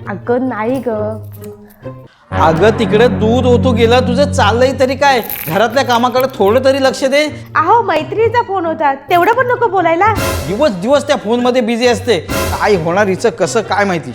अगं नाही ग. अगं तिकडे दूध ओतू गेला, तुझं चाललंय तरी काय? घरातल्या कामाकडे थोडं तरी लक्ष दे. अहो मैत्रिणीचा फोन होता, तेवढं पण नको बोलायला. दिवस दिवस त्या फोन मध्ये बिझी असते. काय होणार हिचं कसं काय माहिती.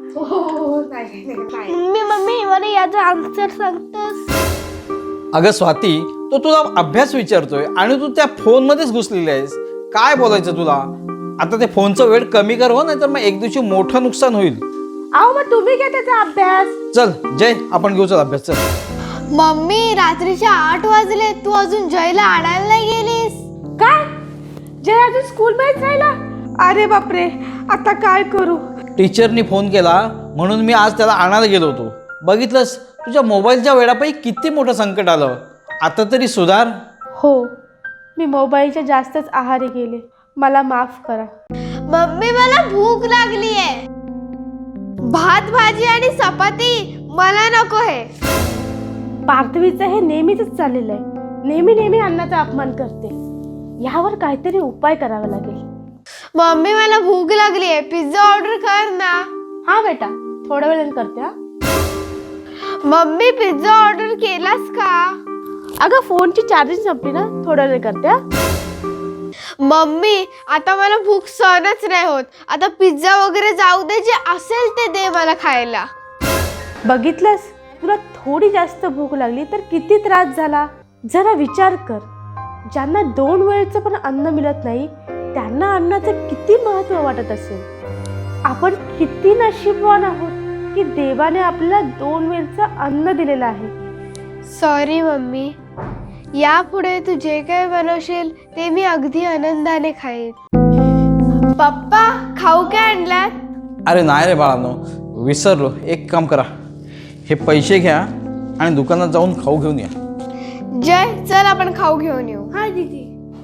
मम्मी मला याचा आन्सर सांगतोस? अगं स्वाती, तो तुला अभ्यास विचारतोय आणि तू त्या फोन मध्येच घुसलेली आहेस. काय बोलायचं तुला? आता ते फोनचं वेळ कमी कर हो, नाहीतर मग एक दिवशी मोठं नुकसान होईल. अहो मग तुम्ही घ्या त्याचा अभ्यास. चल जय, आपण घेऊ चल अभ्यास. चल. मम्मी रात्रीचे 8 वाजले, तू अजून जयला आणायला नाही गेलीस? काय? जय अजून स्कूल मध्येच राहिला? अरे बापरे, आता काय करू? टीचरनी फोन केला म्हणून मी आज त्याला आणायला गेलो होतो. बघितलंस, तुझ्या मोबाईलच्या वेळापैकी किती मोठं संकट आलं. आता तरी सुधार. हो, मी मोबाईलच्या जास्तच आहारी गेले, मला माफ करा. मम्मी मला भूक लागली आहे. भात भाजी आणि चपाती मला नको आहे. पार्थवीचं हे नेहमीच चाललेलं आहे. नेहमी नेहमी अन्नाचा अपमान करते. यावर काहीतरी उपाय करावा लागेल. मम्मी मला भूक लागली आहे, पिझ्झा ऑर्डर कर ना. हा बेटा, थोड्या वेळाने करते. हा मम्मी पिझ्झा ऑर्डर केलास का? अगं फोनची चार्जिंग संपली ना, थोड्या वेळ करते. हा मम्मी आता मला भूक सहनच नाही होत. आता पिझ्झा वगैरे जाऊ दे, जे असेल ते दे मला खायला. बघितलंस, तुला थोडी जास्त भूक लागली तर किती त्रास झाला. जरा विचार कर, ज्यांना 2 वेळचं पण अन्न मिळत नाही त्यांना अन्नाचं किती महत्त्व वाटत असेल. आपण किती नशीबवान आहोत की देवाने आपल्याला 2 वेळचं अन्न दिलेलं आहे. सॉरी मम्मी, यापुढे तू जे काय बनवशील ते मी अगदी आनंदाने खाईन. पप्पा खाऊ काय आणलात? अरे नाही रे बाळांनो, विसरलो. एक काम करा, हे पैसे घ्या आणि दुकानात जाऊन खाऊ घेऊन या. जय चल आपण खाऊ घेऊन येऊ. हा दीदी.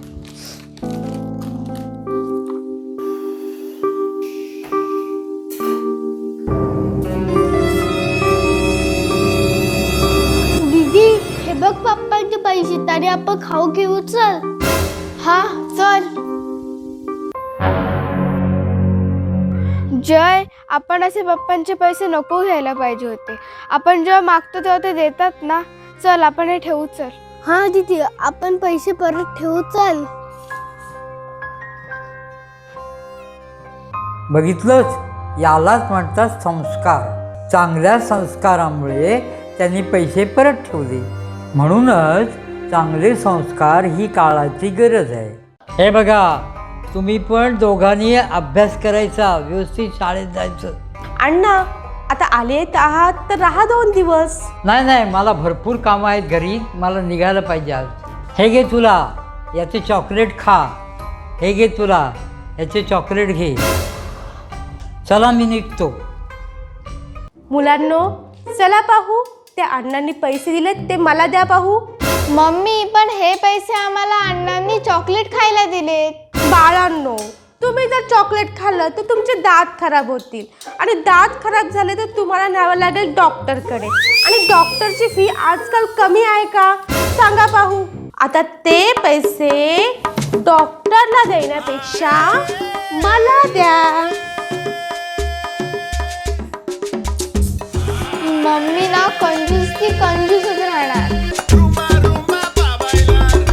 दीदी हे बघ पप्पांचे पैसे, तरी आपण खाऊ घेऊ. चल. हा चल. जय आपण असे पप्पांचे पैसे नको घ्यायला पाहिजे होते. आपण जेव्हा मागतो तेव्हा ते देतात ना. चल आपण हे ठेवू. चल. हा दीदी आपण पैसे परत ठेवू. चल. बघितलंच, यालाच म्हणतात संस्कार. चांगल्या संस्कारामुळे त्यांनी पैसे परत ठेवले. म्हणूनच चांगले संस्कार ही काळाची गरज आहे. हे बघा, तुम्ही पण दोघांनी अभ्यास करायचा, व्यवस्थित शाळेत जायचं. अण्णा, आता आले आहात तर राहा 2 दिवस. नाही, मला भरपूर कामं आहेत घरी, मला निघायला पाहिजे आज. हे घे तुला, याचे चॉकलेट खा. हे घे तुला, याचे चॉकलेट घे. चला मी निघतो. मुलांनो, चला पाहू, त्या अण्णांनी पैसे दिले ते मला द्या पाहू. मम्मी पण हे पैसे आम्हाला अण्णांनी चॉकलेट खायला दिलेत. बाळांनो, तुम्ही जर चॉकलेट खाल्लं तर तुमचे दात खराब होतील आणि दात खराब झाले तर तुम्हाला न्यावं लागेल डॉक्टरकडे. आणि डॉक्टरची फी आजकाल कमी आहे का सांगा पाहू. आता ते पैसे डॉक्टरला देण्यापेक्षा मला द्या. मम्मी ना कंजूस की कंजूसच राहणार.